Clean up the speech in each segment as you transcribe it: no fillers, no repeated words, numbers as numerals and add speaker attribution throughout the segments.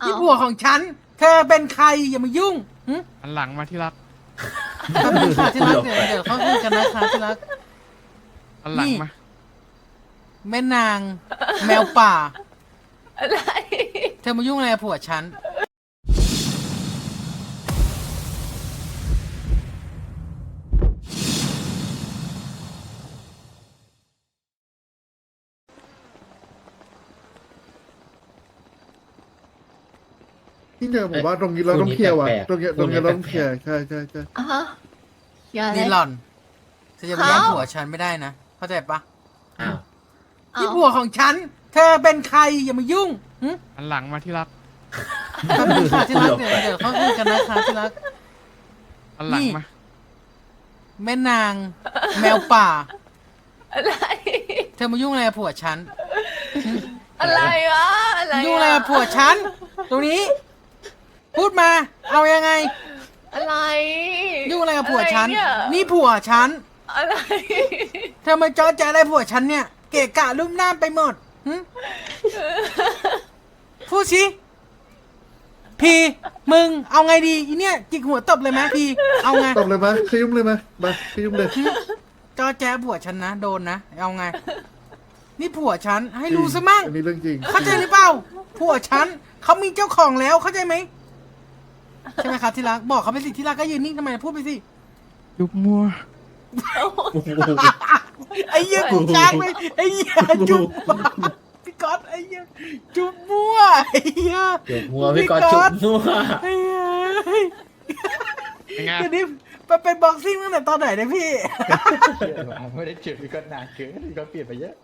Speaker 1: นี่ผัวของฉัน เธอเป็นใครอย่ามายุ่งหึ
Speaker 2: อันหลังมาที่รัก
Speaker 1: แป๊บนึงค่ะที่รักเดี๋ยวเขาคุยกันนะคะที่รัก
Speaker 2: อันหลังมา
Speaker 1: แม่นางแมวป่า
Speaker 3: อะไร
Speaker 1: เธอมายุ่งอะไรกับผัวฉัน
Speaker 4: ที่เนี่ยผมว่าตรงนี้เราต้องเคลียร์ว่ะ
Speaker 5: แปลกๆ
Speaker 4: ตรงเนี้ย
Speaker 5: ตรงนี้
Speaker 4: เราต้อง
Speaker 5: แปลกๆ
Speaker 4: เคลียร์ใช่ใช่ใช่
Speaker 3: อ่ะฮะอย่าเล
Speaker 1: นี่
Speaker 3: ย
Speaker 1: หล่อนเธอจะมาแย่ง
Speaker 3: เขา
Speaker 1: ผัวฉันไม่ได้นะ เข้าใจปะ
Speaker 5: อ้าว
Speaker 1: นี่ผัวของฉัน เธอเป็นใครอย่ามายุ่งหึ
Speaker 2: อันหลังมาที่รัก
Speaker 1: แป๊บนึงค่ะที่รักเดี๋ยวเขาคุยกันนะคะที่รัก
Speaker 2: อันหลังมา
Speaker 1: แม่นางแมวป่า
Speaker 3: อะไร
Speaker 1: เธอมายุ่งอะไรกับผัวฉัน
Speaker 3: อะไรวะอะไร
Speaker 1: ยุ่งอะไรกับผัวฉัน ตรงนี้ พูดมา เอายังไง
Speaker 3: อะไร
Speaker 1: ยุ่งอะไรกับผัวฉัน
Speaker 3: อะไรเย
Speaker 1: นี่ผัวฉัน
Speaker 3: อะไร
Speaker 1: เธอมาจอแจอะไรผัวฉันเนี่ย เกะกะลุ่มน้ามไปหมดหึพูดสิพีมึง เอาไงดีอีเนี่ย จิกหัวตบเลยไหมพีเอาไง
Speaker 4: ตบเลยไหมขยุ่มเลยไหมมาขยุ่มเลย
Speaker 1: จอแจผัวฉันนะ โดนนะ เอาไง นี่ผัวฉัน ให้รู้ซะมั่ง
Speaker 4: อันนี้เรื่องจริง
Speaker 1: เข้าใจหรือเปล่า ผัวฉัน เขามีเจ้าของแล้ว เข้าใจไหม ใช่ไหมครับที่รัก บอกเขาไปสิที่รักก็ยืนนิ่งทำไมพูดไปสิ
Speaker 2: ยุบมัว
Speaker 1: ไอ้เหี้ยกูจ้างไปไอ้เหี้ยจุ๊บพี่ก๊อตไอ้เหี้ยจุ๊บมั่วไอ้เหี้ย
Speaker 5: จุกมัวพี่กอดจุกมัว
Speaker 1: ไอ้เหี้ย
Speaker 2: เป็นไง
Speaker 1: เดี๋ยวนี้ไปเป็นบ็อกซิ่งตั้งแต่ตอนไหนเนี่ยพี่
Speaker 6: ไม่ได้เจอพี่ก็นานเกินพี่ก็เปลี่ยนไปเยอะ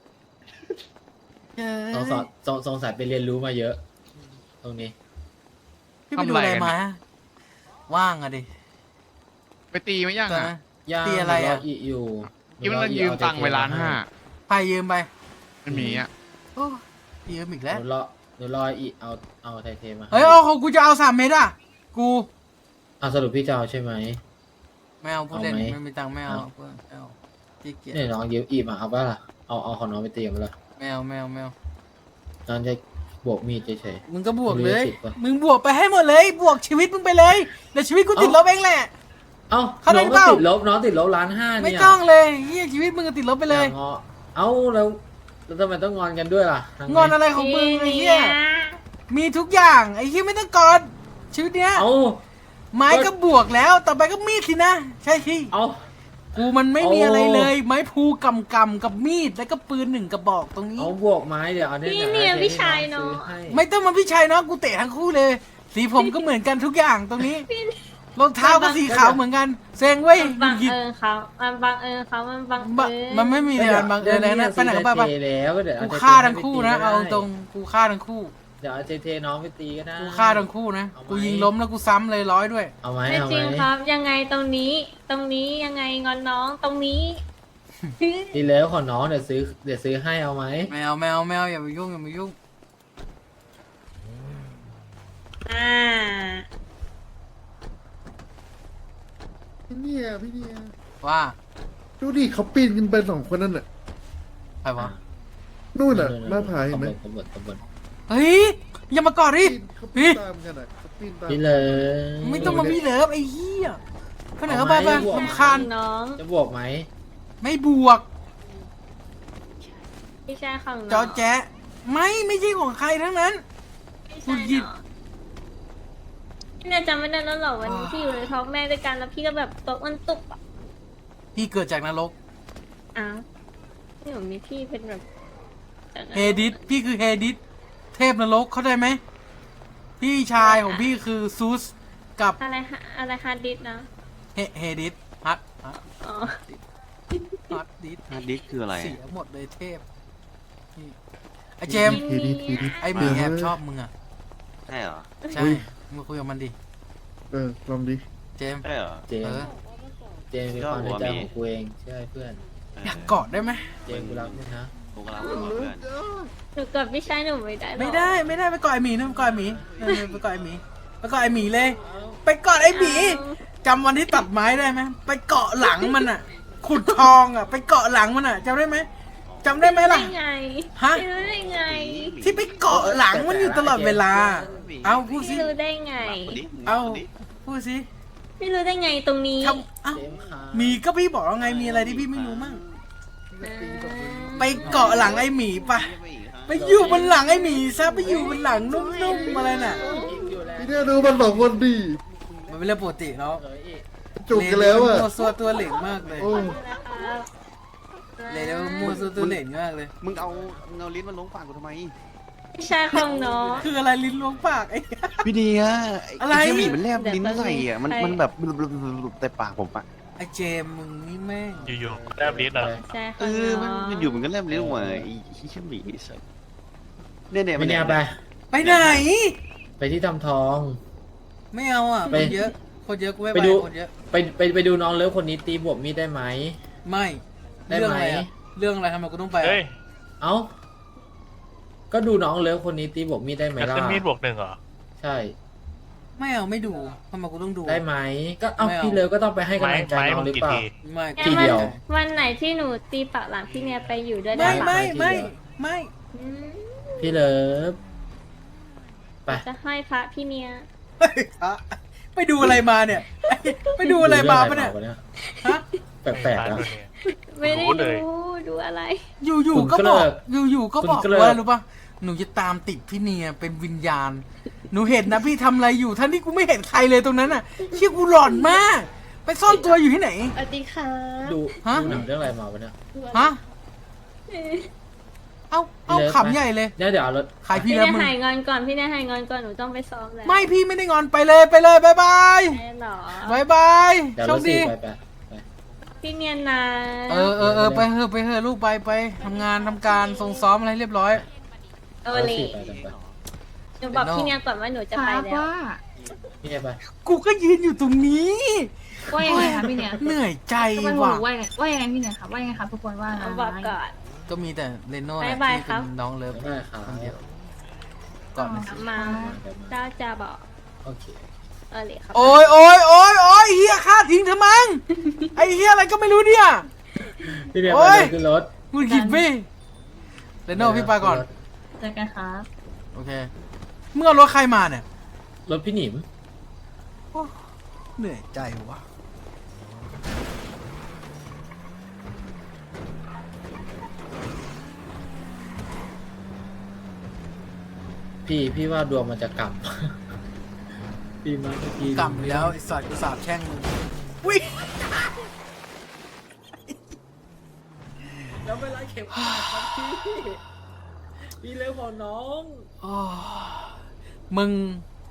Speaker 5: สงสัยไปเรียนรู้มาเยอะ ตรงนี้
Speaker 1: พี่ไปดูอะไรมา ว่างอะดิ
Speaker 2: ไปตีไหมยัง
Speaker 1: ตอน
Speaker 2: อ่ะ
Speaker 1: นั้น
Speaker 5: ย่าง
Speaker 1: ตีอะไรอะ
Speaker 5: อีอยู่
Speaker 2: คิดว่าเรายืมตังค์ไป1,500,000
Speaker 1: ไปยืมไป
Speaker 2: มันมีอ่ะ
Speaker 1: โอ้ยืมอีกแล้ว
Speaker 5: หนูรออีเอาไทเทมา
Speaker 1: เฮ้ยเอาของกูจะเอา3 เม็ดอ่ะ กู
Speaker 5: สรุปพี่จะเอาใช่ไหม
Speaker 1: ไม่เอาพูดเล่น
Speaker 5: เอาไหม
Speaker 1: ไม่มีตังค์ไม่เอาไม่เอาขี้เกียจ
Speaker 5: เนี่ยน้องยืมอีมาเอาป่ะล่ะเอาของน้องไปตีมาละ
Speaker 1: ไม่เอาไม่เอาไม่เอา
Speaker 5: น้องจะบวกมีดเฉย
Speaker 1: มึงก็บวกเลย
Speaker 5: มีสิทธิ์ปะ
Speaker 1: มึงบวกไปให้หมดเลย บวกชีวิตมึงไปเลยเดี๋ยวชีวิตกูติดลบเองแหละ
Speaker 5: เอ้า
Speaker 1: เขาได้
Speaker 5: น้อง
Speaker 1: เป
Speaker 5: ก็
Speaker 1: ล่า
Speaker 5: ติดลบน้องติดลบ1,500,000
Speaker 1: ไม่
Speaker 5: เนี่ย
Speaker 1: ต้องเลยเฮียชีวิตมึงก็ติดลบไปเลย
Speaker 5: างอเอ้าแล้วทำไมต้องงอนกันด้วยล่ะทำไ
Speaker 1: งอนอะไรของมึงไอ้เหี้ยมีทุกอย่างไอ้เหี้ยไม่ต้องกอดชีวิตเนี้ย
Speaker 5: เอ้า
Speaker 1: ไม้ก็บวกแล้วต่อไปก็มีดสินะ ใช่ที่
Speaker 5: เอ้า
Speaker 1: กูมันไม่มี
Speaker 5: โอ้
Speaker 1: อะไรเลย ไม้พูกำกับมีดแล้วก็ปืน1 กระบอกตรงนี้
Speaker 5: เอาบวกไม้เดี๋ยวเอาเนี่ย
Speaker 3: พี่เนี่ยพี่ชายเนาะ
Speaker 5: ซื้อให้
Speaker 1: ไม่ต้องมาพี่ชัยเนาะกูเตะทั้งคู่เลย สีผมก็เหมือนกันทุกอย่างตรงนี้รองเท้าก็สีขาวเหมือนกันเซ็งเว้ย
Speaker 7: บัง
Speaker 1: หยิบ
Speaker 7: เอิญเขามันบังเอิญเขามันบัง
Speaker 1: บะ
Speaker 7: เอิญ
Speaker 1: มันไม่มีเลยบังเอิญอะไรนะไปไหนก็ไปไป
Speaker 5: เทแล้วก็เดี๋ยวเอ
Speaker 1: กู
Speaker 5: เท
Speaker 1: ฆ่าทั้งคู่นะ
Speaker 5: ไปตี
Speaker 1: เอา
Speaker 5: ก็ได้
Speaker 1: ตรงกูฆ่าทั้งคู่
Speaker 5: เดี๋ยวเอาเทน้องไปตีก็ได้
Speaker 1: กูฆ่าทั้งคู่นะ
Speaker 5: เอาไหม
Speaker 1: กูยิงล้มแล้วกูซ้ำเลย100ด้วย
Speaker 5: เอาไหม
Speaker 7: ไม่
Speaker 5: เอา
Speaker 7: จ
Speaker 5: ไหม
Speaker 7: ริงครับ ยังไงตรงนี้ยังไงงอนน้องตรงนี้
Speaker 5: ดีแล้วของน้องเดี๋ยวซื้อให้เอาไหม
Speaker 1: แมวแมวแมวอย่าไปยุ่งอย่าไปยุ่ง
Speaker 7: อ่า
Speaker 4: พี่เนี่ยพี่เนี่ย
Speaker 1: ว่า
Speaker 4: ดูดิเขาปีนกันไป2 คนนั่นน่ะ
Speaker 1: ใครวะ
Speaker 4: นู่นน่ะหน้าผาเห็นไหม
Speaker 5: ขบวน
Speaker 1: เฮ้ยอย่ามากอดดิ
Speaker 4: เขาปีนตามกันอ่ะเขาปีนตาม
Speaker 5: นี่เลย
Speaker 1: ไม่ต้องมามีเลิฟไอ้เหี้ยไปไหนก็ไปไปรำคาญ
Speaker 7: น้อง
Speaker 5: จะบวกไหม
Speaker 1: ไม่บวก
Speaker 7: พี่ชายของน้อง
Speaker 1: จอแจ๊ะไม่ใช่ของใครทั้งนั้น
Speaker 7: พี่ชาย
Speaker 1: คุณหยิบ
Speaker 7: น้องพี่เนี่ยจำไม่ได้แล้วเหรอวันนี้ที่อยู่ในท้องแม่ด้วยกันแล้วพี่ก็แบบตกมันตุกอ่ะ
Speaker 1: พี่เกิดจากนรก
Speaker 7: อ้าวนี่ผมมีพี่เป็นแบบ
Speaker 1: เฮดิสพี่คือเฮดิสเทพนรกเข้าใจไหมพี่ชายของพี่คือซูสกับ
Speaker 7: อะไรฮาร์ดดิสก์นะ
Speaker 1: เฮดิสฮัท
Speaker 7: อ๋อ
Speaker 1: ฮัทดิส
Speaker 6: ฮาร์ดดิสก์คืออะไร
Speaker 1: เสียหมดเลยเทพนี่ไอเจมส์
Speaker 4: ทีดิทีดิ
Speaker 1: ไอหมีแอบชอบมึงอ่ะ
Speaker 6: ใช่เหรอ
Speaker 1: ใช่มึงคุยกับมันดิ
Speaker 4: ลองดิ
Speaker 1: เจมส์
Speaker 6: ใช่เหรอ
Speaker 5: เจม
Speaker 1: เอ
Speaker 5: ส์
Speaker 1: อ
Speaker 5: เจมส์เป็นความในใจของกูเองใช่เพื่อน
Speaker 1: อยากกอดได้ไหม
Speaker 5: เจมส์กูรักมึงนะ
Speaker 6: กูกำลังบอกเพื่อน
Speaker 7: หนูกดพี่ชายหนูไม่ได้หรอ
Speaker 1: ไม่ได้ไปกอดไอหมีนะไปกอดไอหมีไปกอดไอหมีไปกอดไอหมีเลย ไปกอดไอหมีจำวันที่ตัดไม้ได้ไหมไปเกาะหลังมันอ่ะ ขุดทองอ่ะ ไปเกาะหลังมันอ่ะจำได้ไหมจำได้ไหมล่ะ
Speaker 7: ได้ไง
Speaker 1: ฮะ
Speaker 7: พี่รู้ได้ไง
Speaker 1: ที่ไปเกาะหลังมันอยู่ตลอดเวลา เอาพูดสิ
Speaker 7: พี่รู้ได้ไง
Speaker 1: เอาพูดสิ
Speaker 7: พี่รู้ได้ไงตรงนี้
Speaker 1: ทำเอ้า
Speaker 5: เจมส์ครับ
Speaker 1: มีก็พี่บอกแล้วไงมีอะไรที่พี่ไม่รู้มั่ง
Speaker 7: อ่า
Speaker 1: ไปเกาะหลังไอ้หมีปะไปอยู่บนหลังไอ้หมีซะไปอยู่บนหลังนุ่มๆอะไรน่ะ
Speaker 4: พี่เนี่ยดูมันสองคนดี
Speaker 1: มันเป็นเรื่องปกติเนาะ
Speaker 4: จุกกันแล้วอ่ะ
Speaker 1: มัวซัวตัวเหล่งมากเลย
Speaker 4: โอ้
Speaker 7: นะครับ
Speaker 1: เลยแล้วมัวซัวตัวเหล่งมากเลย
Speaker 8: มึงเอาลิ้นมาล้วงปากกูทำไม
Speaker 7: พี่ชายของน้อง
Speaker 1: คืออะไรลิ้นล้วงปากไอ้
Speaker 8: พี่เดีย
Speaker 1: อะไร
Speaker 8: เหี้ยหมีมันแลบลิ้นใส่อ่ะมันแบบแต่ปากผมอ่ะ
Speaker 1: ไอ้เจมส์มึงนี่แม่ง
Speaker 9: อยู่ๆแลบลิ้นเหรอ
Speaker 7: ใช่ข
Speaker 8: เอ
Speaker 7: อง
Speaker 8: อ
Speaker 7: น้อง
Speaker 8: มันอยู่มันก็แลบลิ้นออกมาไอ้เหี้ยหมีใส่เนี่ย
Speaker 5: ไม่เนี่ยไป
Speaker 1: ไปไหน
Speaker 5: ไปที่ทำทอง
Speaker 1: ไม่เอาอ่ะ
Speaker 5: ไป
Speaker 1: คนเยอะคนเยอะกูไม่
Speaker 5: ไป
Speaker 1: ไป
Speaker 5: ดู
Speaker 1: คนเยอะ
Speaker 5: ไปดูน้องเลิฟคนนี้ตีบวบมีดได้ไหม
Speaker 1: ไม่
Speaker 5: ได้
Speaker 1: เรื่อง
Speaker 5: ไหม
Speaker 1: อะไรอ่ะเรื่องอะไรทำไมกูต้องไป
Speaker 9: เฮ้ย
Speaker 5: เอ้า ก็ดูน้องเลิฟคนนี้ตีบวบมีดได้ไหม
Speaker 9: จะ
Speaker 5: ล่ะ
Speaker 9: ขึ้นมีดบวกหนึ่งเหรอ
Speaker 5: ใช่
Speaker 1: ไม่เอาไม่ดูทำไมกูต้องดู
Speaker 5: ได้ไหม ก็เอ้า
Speaker 1: ไม่เอา
Speaker 5: พี่เลิฟก็ต้องไปให้
Speaker 9: ไม้
Speaker 5: กำลังใจ
Speaker 9: ไม้
Speaker 5: น้อ
Speaker 9: มึ
Speaker 5: ง
Speaker 9: ง
Speaker 5: หรือ
Speaker 9: กี่
Speaker 5: เปล่า
Speaker 9: ที
Speaker 1: ไม่
Speaker 5: ทีเดียว
Speaker 7: วันไหนที่หนูตีปากหลังพี่เนี่ยไปอยู่ด้วย
Speaker 1: ไม่
Speaker 7: ได้ปะ
Speaker 1: ไม่
Speaker 5: ทีเดียว
Speaker 1: ไม่ไม่
Speaker 7: อืม
Speaker 5: พี่เลิฟไป
Speaker 7: จะให้พระพี่เนี่ย
Speaker 1: เฮ้ยอะไปดูอะไรมาเนี่ย ไปดูอะไรมาปะเนี่ย
Speaker 5: เนี่ย
Speaker 1: ฮะ
Speaker 5: แปลกๆนะ
Speaker 7: ไม่ได้
Speaker 9: รู้เลย
Speaker 7: ดูอะไร
Speaker 1: อยู่
Speaker 5: คุณ
Speaker 1: ๆก็
Speaker 5: ก็
Speaker 1: บอก
Speaker 5: เลิก
Speaker 1: อยู่ๆก็บอก
Speaker 5: คุณก็เลิก
Speaker 1: ว่ารู้ปะหนูจะตามติดพี่เนียเป็นวิญญาณ หนูเห็นนะพี่ทำอะไรอยู่ทั้งที่กูไม่เห็นใครเลยตรงนั้นอ่ะเชี่ยกูหลอนมาก ไปซ่อนตัวอยู่ที่ไหน
Speaker 7: สวัสดีค่ะ
Speaker 5: ดู
Speaker 1: ฮะ
Speaker 5: ดูหนังเรื่องอะไรมาวะเนี่ย
Speaker 1: ฮะ เอา
Speaker 5: พี่เลิฟ
Speaker 1: ขำใหญ่เลย
Speaker 5: เดี๋ยวเอารถ
Speaker 1: ใครพี่
Speaker 7: พี่
Speaker 1: แล้ว
Speaker 7: เนี่ย
Speaker 1: มึง
Speaker 7: หายงอนก่อนพี่เนี่ยหายงอนก่อนหนูต้องไปซ้อมแล้ว
Speaker 1: ไม่พี่ไม่ได้งอนไปเลยไปเลยบายบาย
Speaker 7: ได้เหรอบ
Speaker 1: ายบาย
Speaker 5: เดี๋ยว
Speaker 1: โช
Speaker 5: ร
Speaker 1: ค
Speaker 5: ถสี่
Speaker 1: ดี
Speaker 5: ไป
Speaker 7: พี่เนียนนะ
Speaker 1: เออไปเถอะลูกไปทำงานทำการส่งซ้อมอะไรเรียบร้อย
Speaker 7: โอ
Speaker 5: รถ
Speaker 7: ลี
Speaker 5: สี่ไปกันไป
Speaker 7: หนูบอกพี่เนี่ยก่อนว่าหนูจะไปแล้ว
Speaker 5: พี่เนี่ยไป
Speaker 1: กูก็ยืนอยู่ตรงนี้
Speaker 3: ว่ายังไงคะพี่เนี่ย
Speaker 1: เหนื่อยใจ
Speaker 3: ทำไม
Speaker 1: ว่ะ
Speaker 3: ว่ายังไงพี่เนี่ยคะว่ายังไงคะทุกคนว่าไง
Speaker 7: เอาบอกก่อน
Speaker 1: ก็มีแต่เรโน่แห
Speaker 7: บ๊า
Speaker 1: ละ
Speaker 7: ยบาย
Speaker 1: ที่
Speaker 7: ครั
Speaker 1: เป็
Speaker 7: บ
Speaker 1: นน้องเลิฟ
Speaker 5: ได้ครับ
Speaker 1: คนเดียวก่อนนะ
Speaker 7: มาเจ้าจะบอก
Speaker 5: โอเค
Speaker 7: โอลีครับ
Speaker 1: โอ้ยเฮียฆ่าทิ้งเธอมั้งไอเฮียอะไรก็ไม่รู้เนี่ย
Speaker 5: พี่เนี่ย
Speaker 1: โอ๊
Speaker 5: ไป
Speaker 1: ย
Speaker 5: เลยขึ้นรถ
Speaker 1: มึงหยิบพี่เรโน่พี่ไปก่อน
Speaker 3: เจอกันครับ
Speaker 1: โอเคเมื่อรถใครมาเนี่ย
Speaker 5: รถพี่หนิม
Speaker 1: โอ้เหนื่อยใจว่ะ
Speaker 5: พี่ว่าดวงมันจะกลับ พี่มาเมื่อกี้
Speaker 1: กลับแล้วไอสัตว์กูสาบแช่งมึงวิ่ง
Speaker 5: แล้วเวลาเข็มขัดครับพี่เร็วของน้อง
Speaker 1: อ๋อมึง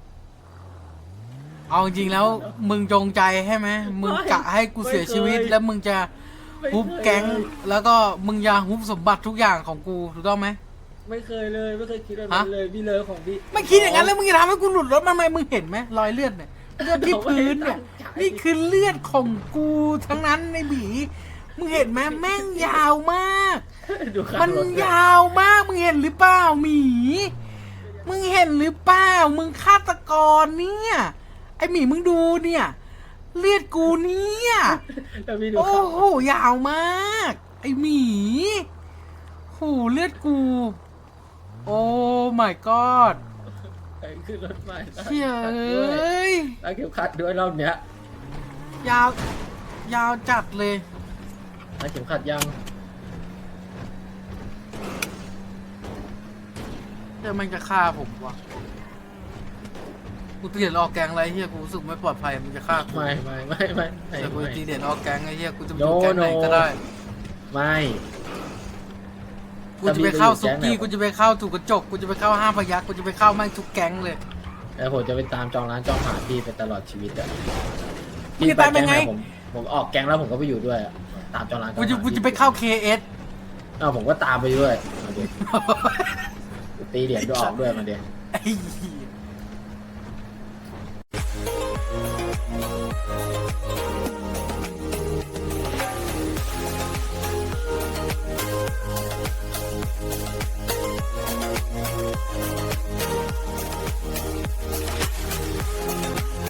Speaker 1: เอาจริงๆแล้ว มึงจงใจใช่ไหมมึงกะให้กูเสียชีวิต แล้วมึงจะฮุบแก๊ง แล้วก็มึงจะฮุบสมบัติทุกอย่างของกูถูกต้องไหม
Speaker 5: ไม่เคยเลยไม่เคยคิดแบบนั้นเลยพี่เลิฟของพี่
Speaker 1: ไม่คิดอย่างนั้นแล้วมึงจะทำให้กูหลุดรถมาทำไมมึงเห็นไหมรอยเลือดเนี่ยเลือดที่พื้นเนี่ยนี่คือเลือดของกูทั้งนั้นในบีมึงเห็นไหมแม่งยาวมาก
Speaker 5: ดูข้าง
Speaker 1: มัน
Speaker 5: รถ
Speaker 1: ยาวมากมึงเห็นหรือเปล่าหมี มึงเห็นหรือเปล่ามึงฆาตกรเนี่ยไอหมีมึงดูเนี่ย เลือดกูเนี่ย
Speaker 5: แล้วพี่ดู
Speaker 1: โอ้
Speaker 5: ข้าง
Speaker 1: โหยาวมาก ไอหมีโหเลือดกู โอ้ my god
Speaker 5: ขึ้นรถใหม่
Speaker 1: เชี่ยเอ้ย
Speaker 5: แล้วเข็มขัดด้วยรอบเนี้ย
Speaker 1: ยาว ยาวจัดเลย
Speaker 5: แล้วเข็มขัดยัง
Speaker 1: เดี๋ยวมันจะฆ่าผมวะกูตีเด็ดออกแกงอะไรเฮียกูรู้สึกไม่ปลอดภัยมันจะฆ่ากู
Speaker 5: ไม่
Speaker 1: แต่กูตีเด็ดออกแกงไอ้เฮียกูจะไป
Speaker 5: โน
Speaker 1: อยู่แกงไหนก็ได้
Speaker 5: ไม่
Speaker 1: กูจะไปเข้าซุกี้
Speaker 5: ถ้าพี่ไปอยู่แก๊งไหน
Speaker 1: กูจะไปเข้าถูกกระจก กูจะไปเข้าห้าพยักกูจะไปเข้าแม่งทุกแก๊งเลย
Speaker 5: แต่ผมจะไปตามจองร้านจองหาพี่ไปตลอดชีวิตอะ
Speaker 1: มึงจะตามยังไง
Speaker 5: ผมออกแก๊งแล้วผมก็ไปอยู่ด้วยอะตามจองร้านจองหา
Speaker 1: กูจะไปเข้า KS
Speaker 5: เอาผมก็ตามไปด้วยมาเดี๋ยวตีเหรียญด้วยออกด้วยมาเดี๋ยว
Speaker 1: ไอ้เหี้ย